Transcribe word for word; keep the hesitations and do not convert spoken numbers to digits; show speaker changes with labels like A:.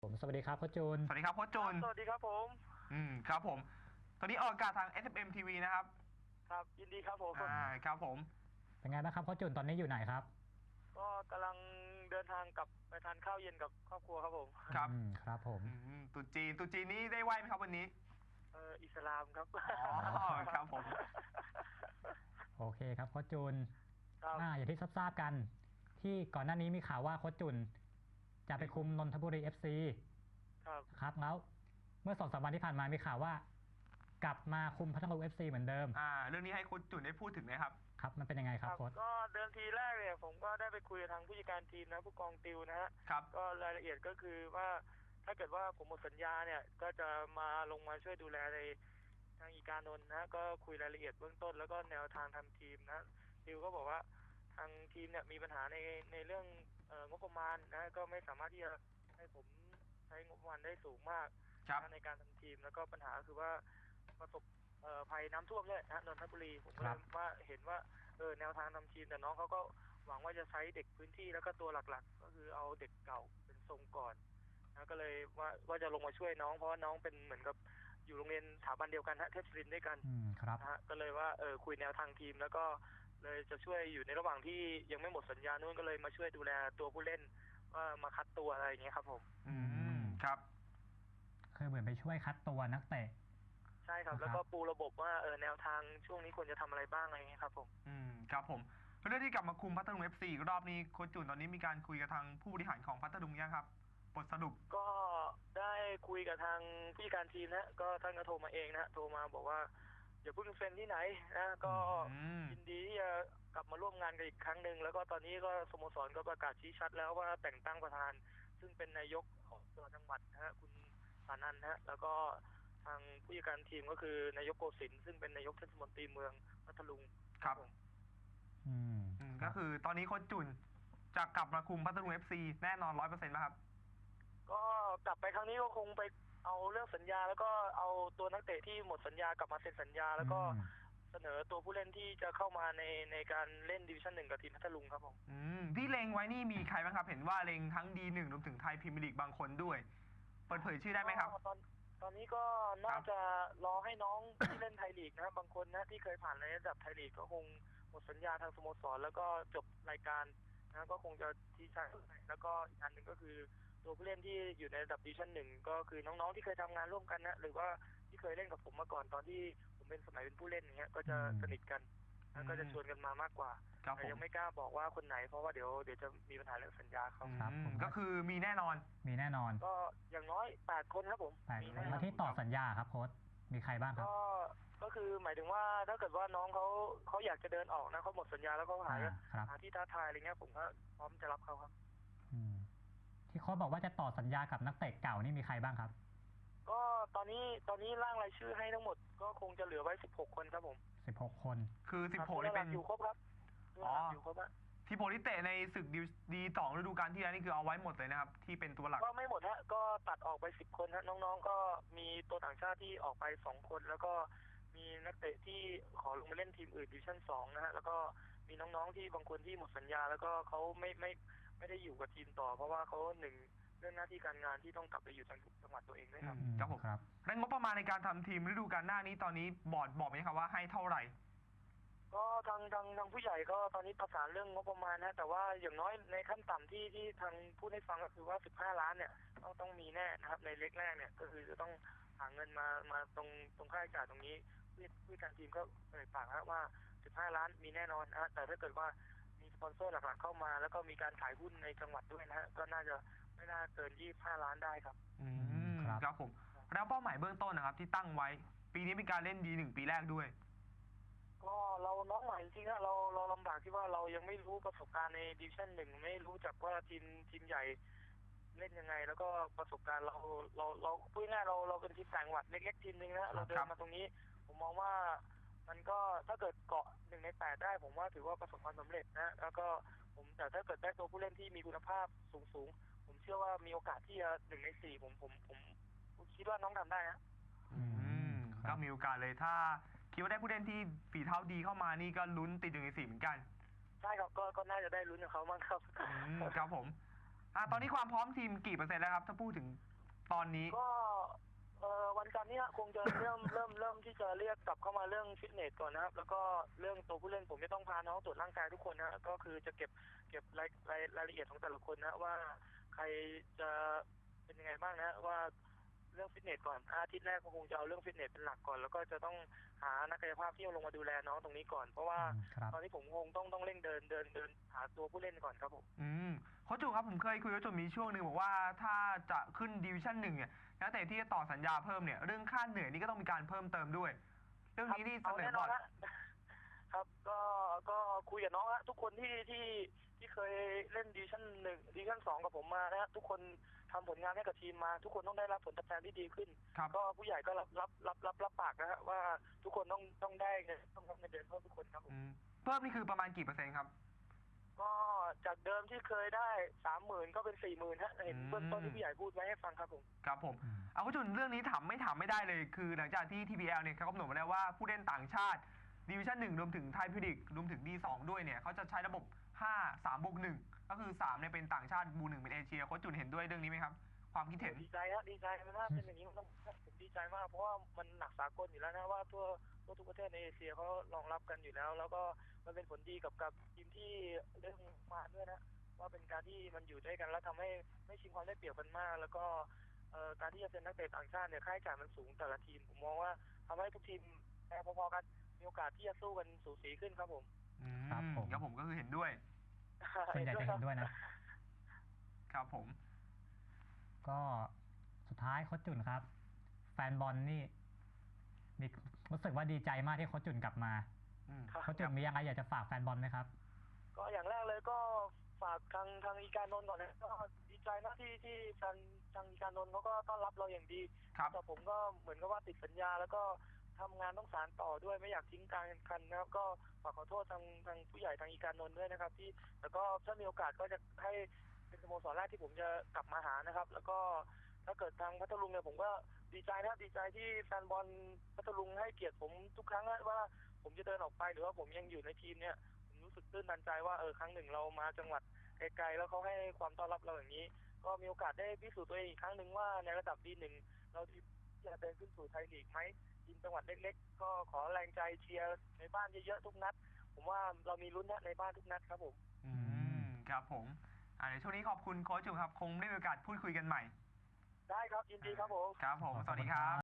A: ผมสวัสดีครับโค้ชจูน
B: สวัสดีครับโค้ชจูน
C: สวัสดีครับผม
B: อืมครับผมตอนนี้ออกอากาศทาง เอส เอฟ เอ็ม ที วี นะครับ
C: ครับยินดีครับผม
B: อ่าครับผม
A: เป็นไงบ้างครับโค้ชจูนตอนนี้อยู่ไหนครับ
C: ก็กำลังเดินทางกลับไปทานข้าวเย็นกับครอบครัวครับผม
B: ครับ
A: อืมครับผม
B: อืมตุจีนตุจีนนี้ได้ไหวไหมครับวันนี้
C: เอออิสลามครับ
B: อ๋อครับผม
A: โอเคครับโค้ชจูน
C: ครับ
A: อ่าอย่างที่ทราบๆกัน ที่ก่อนหน้านี้มีข่าวว่าโค้ชจูนจะไปคุมนนทบุรี เอฟ ซี
C: ครับ
A: ครับแล้วเมื่อสองสามวันที่ผ่านมามีข่าวว่า กลับมาคุมพัทลุง เอฟ ซี เหมือนเดิม
B: อ่าเรื่องนี้ให้โค้ชจูนได้พูดถึงนะครับ
A: ครับมันเป็นยังไงครับโค้ช
C: ก็เดิมทีแรกเนี่ยผมก็ได้ไปคุยกับทางผู้จัดการทีมนะผู้กองติวนะฮะ
B: ครับ
C: ก็รายละเอียดก็คือว่าถ้าเกิดว่าผมหมดสัญญาเนี่ยก็จะมาลงมาช่วยดูแลในทางอีการนนท์นะก็คุยรายละเอียดเบื้องต้นแล้วก็แนวทางทำทีมนะติวก็บอกว่าทางทีมเนี่ยมีปัญหาในในเรื่องเอ่องบประมาณนะก็ไม่สามารถที่จะให้ผมใช้งบประมาณได้สูงมากในการทำทีมแล้วก็ปัญหาคือว่าประสบภัยน้ำท่วมด้วยนะนนทบุรีผมก็เลยว่าเห็นว่าเออแนวทางทำทีมแต่น้องเขาก็หวังว่าจะใช้เด็กพื้นที่แล้วก็ตัวหลักๆก็คือเอาเด็กเก่าเป็นทรงก่อนนะก็เลยว่าว่าจะลงมาช่วยน้องเพราะว่าน้องเป็นเหมือนกับอยู่โรงเรียนสถาบันเดียวกันฮะเทพศิรินทร์ด้วยกันนะฮะก็เลยว่าเออคุยแนวทางทีมแล้วก็เลยจะช่วยอยู่ในระหว่างที่ยังไม่หมดสัญญานู่นก็เลยมาช่วยดูแลตัวผู้เล่นว่ามาคัดตัวอะไรอย่างเงี้ยครับผม
B: อืมครับ
A: คือเหมือนไปช่วยคัดตัวนักเตะ
C: ใช่ครับแล้วก็ปูระบบว่าเออแนวทางช่วงนี้ควรจะทำอะไรบ้างอะไรเงี้ยครับผม
B: อืมครับผมเรื่องที่กลับมาคุมพัทลุง เอฟ ซี รอบนี้โค้ชจูนตอนนี้มีการคุยกับทางผู้บริหารของพัทลุงยังครับบทสรุป
C: ก็ได้คุยกับทางผู้จัดการทีมนะก็ท่านก็โทรมาเองนะโทรมาบอกว่าอย่าเพิ่งเซ็นที่ไหนนะก็ยินดีที่จะกลับมาร่วมงานกันอีกครั้งหนึ่งแล้วก็ตอนนี้ก็สโมสรก็ประกาศชี้ชัดแล้วว่าแต่งตั้งประธานซึ่งเป็นนายกของจังหวัดนะฮะคุณสานันท์นะแล้วก็ทางผู้จัดการทีมก็คือนายกโกศินทร์ซึ่งเป็นนายกเทศมนตรีเมืองพัทลุง
B: ครับ
A: อืม
B: ก็คือตอนนี้โค้ชจุนจะกลับมาคุมพัทลุง เอฟ ซี แน่นอนร้อยเปอร์เซ็นต์ไหมครับ
C: ก็กลับไปครั้งนี้ก็คงไปเอาเรื่องสัญญาแล้วก็เอาตัวนักเตะที่หมดสัญญากลับมาเซ็นสัญญาแล้วก็เสนอตัวผู้เล่นที่จะเข้ามาในในการเล่นดิวิชั่นหนึ่งกับทีมพัทลุงครับผม
B: อืมที่เล็งไว้นี่มีใครบ้างครับเห็นว่าเล็งทั้งดีหนึ่งรวมถึงไทยพรีเมียร์ลีกบางคนด้วยเปิดเผยชื่อได้ไหมครับ
C: ตอนตอนนี้ก็น่าจะรอให้น้องที่เล่นไทยลีกนะบางคนนะที่เคยผ่านในระดับไทยลีกก็คงหมดสัญญาทางสโมสรแล้วก็จบรายการนะก็คงจะที่ใช่แล้วก็อีกอันหนึ่งก็คือตัวผู้เล่นที่อยู่ในระดับดิวิชั่นหนึ่งก็คือน้องๆที่เคยทำงานร่วมกันนะหรือว่าที่เคยเล่นกับผมมาก่อนตอนที่ผมเป็นสมัยเป็นผู้เล่นอย่างเงี้ยก็จะสนิทกันแล้วก็จะชวนกันมามากกว่าแต่ยังไม่กล้าบอกว่าคนไหนเพราะว่าเดี๋ยวเดี๋ยวจะมีปัญหาเรื่องสัญญาเขา
A: ครับ
B: ก็คือมีแน่นอน
A: มีแน่นอน
C: ก็อย่างน้อยแปดคนครับผม
A: แปดคนมาที่ต่อสัญญาครับโค้ชมีใครบ้างครับ
C: ก็ก็คือหมายถึงว่าถ้าเกิดว่าน้องเขาเขาอยากจะเดินออกนะเขาหมดสัญญาแล้วเขาหาหาที่ท้าทายอะไรเงี้ยผมก็พร้อมจะรับเขาครับ
A: อืมที่โค้ชบอกว่าจะต่อสัญญากับนักเตะเก่านี่มีใครบ้างครับ
C: ก็ตอนนี้ตอนนี้ร่างรายชื่อให้ทั้งหมดก็คงจะเหลือไว้สิบหกคนครับผม
A: สิบหกคน
B: คือสิบหกนี่เป็น
C: อยู่ครบครับ
B: อ๋ออยู่ครบอะที่โปรลิเตในศึกดีสองฤดูกาลที่แล้วนี่คือเอาไว้หมดเลยนะครับที่เป็นตัวหลัก
C: ก็ไม่หมดฮะก็ตัดออกไปสิบคนฮะน้องๆก็มีตัวต่างชาติที่ออกไปสองคนแล้วก็มีนักเตะที่ขอลงมาเล่นทีมอื่นดิวิชั่นสองนะฮะแล้วก็มีน้องๆที่บางคนที่หมดสัญญาแล้วก็เขาไม่ไม่ไม่ได้อยู่กับทีมต่อเพราะว่าเขาหนึ่งเรื่องหน้าที่การงานที่ต้องกลับไปอยู่จังหวัดตัวเองด้วยครับ
B: ครับผมแล้วงบประมาณในการทำทีมฤดูกาลหน้านี้ตอนนี้บอร์ดบอกไหมครับว่าให้เท่าไหร่
C: ก็ทางทางทางผู้ใหญ่ก็ตอนนี้ประสานเรื่องงบประมาณนะแต่ว่าอย่างน้อยในขั้นต่ำที่ที่ทางพูดให้ฟังก็คือว่าสิบห้าล้านเนี่ยต้องต้องมีแน่นะครับในเล็กแรกเนี่ยก็คือจะต้องหาเงินมามาตรงตรงค่าใช้จ่ายตรงนี้ผู้การทีมก็เอ่ยปากนะว่าสิบห้าล้านมีแน่นอนนะแต่ถ้าเกิดว่ามีสปอนเซอร์หลักๆเข้ามาแล้วก็มีการขายหุ้นในจังหวัดด้วยนะฮะก็น่าจะไม่น่าเกินยี่สิบห้าล้านได้ครับ
B: อืมครับผมแล้วเป้าหมายเบื้องต้นนะครับที่ตั้งไว้ปีนี้เป็นการเล่นดีหนึ่งปีแรกด้วย
C: ก็เราน้องใหม่จริงๆนะเราเราลำบากที่ว่าเรายังไม่รู้ประสบการณ์ในดิวิชั่นหนึ่งไม่รู้จักว่าทีมทีมใหญ่เล่นยังไงแล้วก็ประสบการณ์เราเราเราพูดง่ายเราเราเป็นทีมต่างจังหวัดเล็กๆทีมนึงนะเราเดินมาตรงนี้ผมมองว่ามันก็ถ้าเกิดเกาะหนึ่งในแปดได้ผมว่าถือว่าประสบความสำเร็จนะแล้วก็ผมแต่ถ้าเกิดได้ตัวผู้เล่นที่มีคุณภาพสูงๆผมเชื่อว่ามีโอกาสที่จะหนึ่งในสี่ผมผมผมคิดว่าน้องทำได้นะ
B: อืมก็มีโอกาสเลยถ้าคิดว่าได้ผู้เล่นที่ฝีเท้าดีเข้ามานี่ก็ลุ้นติดอยู่ในสี่เหมือนกัน
C: ใช่ครับก็ก็น่าจะได้ลุ้นกับเขาบ้างครับ
B: ครับผมอ่าตอนนี้ความพร้อมทีมกี่เปอร์เซ็นต์แล้วครับถ้าพูดถึงตอนนี้
C: ก็เอ่อวันจันทร์เนี้คงจะ เริ่มเริ่มเริ่มที่จะเรียกกลับเข้ามาเรื่องฟิตเนสก่อนนะครับแล้วก็เรื่องตัวผู้เล่นผมจะต้องพาน้องตรวจร่างกายทุกคนนะก็คือจะเก็บเก็บรายรายรายละเอียดของแต่ละคนนะว่าใครจะเป็นยังไงบ้างนะว่าเรื่องฟิตเนสก่อนอาทิตย์แรกก็คงจะเอาเรื่องฟิตเนสเป็นหลักก่อนแล้วก็จะต้องหานักกายภาพที่ลงมาดูแลน้องตรงนี้ก่อนเพราะว่า
A: อืมครับ
C: ตอนนี้ผมคงต้องต้องเร่งเดินเดินเดินหาตัวผู้เล่นก่อนครับผม
B: อืมโค้ชจุครับผมเคยคุยกับโค้ชจุมีช่วงหนึ่งบอกว่าถ้าจะขึ้นดิวิชั่นหนึ่งเนี่ยนักเตะที่จะต่อสัญญาเพิ่มเนี่ยเรื่องค่าเหนื่อยนี่ก็ต้องมีการเพิ่มเติมด้วย เรื่องนี้นี่เส
C: เอา
B: นอ
C: แน่น
B: บ
C: อ
B: อน ร์ด
C: ฮะ ครับก็ก็คุยกับน้องฮะทุกคนที่ที่ที่เคยเล่นดิวิชั่นหนึ่งดิวิชั่นสองกับผมมานะฮะทุกคนทำผลงานให้กับทีมมา ทุกคนต้องได้รับผลตอบแทนที่ดีขึ้น
B: ครับ
C: ก็ผู้ใหญ่ก็รับรับรับรับรับปากนะฮะว่าทุกคนต้องต้องได้เงินต้องรับเงินเดือนเพิ่มทุกคนครับผม
B: อืมเพิ่มนี่คือประมาณกี่เปอร์เซ็นต์ครับ
C: ก็จากเดิมที่เคยได้สามหมื่นก็เป็นสี่หมื่นฮะเห็น
B: อืม
C: เบื้องต้นที่ผู้ใหญ่พูดไว้ให้ฟังครับผม
B: ครับผม
A: อืม
B: เอาโค้ชจุเรื่องนี้ถามไม่ถามไม่ได้เลย คือหลังจากที่ ที พี แอล เนี่ยเขากำหนดมาแล้วว่าผู้เล่นต่างชาติดิวิชั่นหนึ่งรวมถึงไทยพิลิกรวมถึง ดี สอง ด้วยเนี่ยเขาจะใช้ระบบห้า สามบวกหนึ่งก็คือสามเนี่ยเป็นต่างชาติบูหนึ่งเป็นเอเชียโค้ชจุนเห็นด้วยเรื่องนี้ไหมครับความคิดเห็น
C: ดีใจฮะดีใจมันถ้าเป็นอย่างนี้มันต้องผมดีใจมากเพราะว่ามันหนักสากลอยู่แล้วนะว่าทั่วทั่วทุกประเทศในเอเชียเขารองรับกันอยู่แล้ว แล้วก็มันเป็นผลดีกับกับทีมที่เรื่องมาด้วยนะว่าเป็นการที่มันอยู่ด้วยกันแล้วทำให้ไม่ชิงความได้เปรียบกันมาก แล้วก็เอ่อการที่จะเป็นนักเตะต่างชาติเนี่ยค่าใช้จ่ายมันสูงแต่ละทีมผมมองว่าทำให้ทุกทีมแพ้พอๆกันมีโอกาสที่จะสู้กันสูสีขึ้นครับผม
B: อืม
A: ครับผม
B: ครับผมก็คือเห็นด้วย
A: ส่วนใหญ่จะเห็นด้วยนะ
B: ครับผม
A: ก็สุดท้ายโค้ชจุนครับ แฟนบอลนี่มีรู้สึกว่าดีใจมากที่โค้ชจุนกลับมา
B: อืม
C: ครับ
A: โค้ชจุนมีอะไรอยากจะฝากแฟนบอลไหมครับ
C: ก็อย่างแรกเลยก็ฝากทางทางอีการนนท์ก่อนนะก็ดีใจนะที่ที่แฟนทางอีการนนท์เขาก็ต้อนรับเราอย่างดี
B: ครับ
C: แต่ผมก็เหมือนกับว่าติดสัญญา แล้วก็ทำงานต้องสานต่อด้วยไม่อยากทิ้งกลารแข่งขันนะครับ ก็ฝากขอโทษทางทางผู้ใหญ่ทางอีการนนท์ด้วยนะครับ ที่แล้วก็ถ้ามีโอกาสก็จะให้เป็นสโมสรแรกที่ผมจะกลับมาหานะครับ แล้วก็ถ้าเกิดทางพัทลุงเนี่ยผมก็ดีใจนะครับดีใจที่แฟนบอลพัทลุงให้เกียรติผมทุกครั้งนะว่าผมจะเดินออกไปหรือว่าผมยังอยู่ในทีมเนี่ย ผมรู้สึกตื้นตันใจว่าเออครั้งหนึ่งเรามาจังหวัดไกลๆแล้วเขาให้ความต้อนรับเราอย่างนี้ ก็มีโอกาสได้พิสูจน์ตัวเองอีกครั้งหนึ่งว่าในระดับดีหนึ่งเราที่จะเดินขึ้นสู่ไทยลีกไหมทีมจังหวัดเล็กๆ ก็ขอแรงใจเชียร์ในบ้านเยอะๆทุกนัด ผมว่าเรามีลุ้นนะในบ้านทุกนัดครับผม
B: อืมครับผมอ่าเดี๋ยวช่วงนี้ขอบคุณโค้ชจุครับ คงได้มีโอกาสพูดคุยกันใหม่
C: ได้ครับยินดีครับผม
B: ครับผม สวัสดีครับ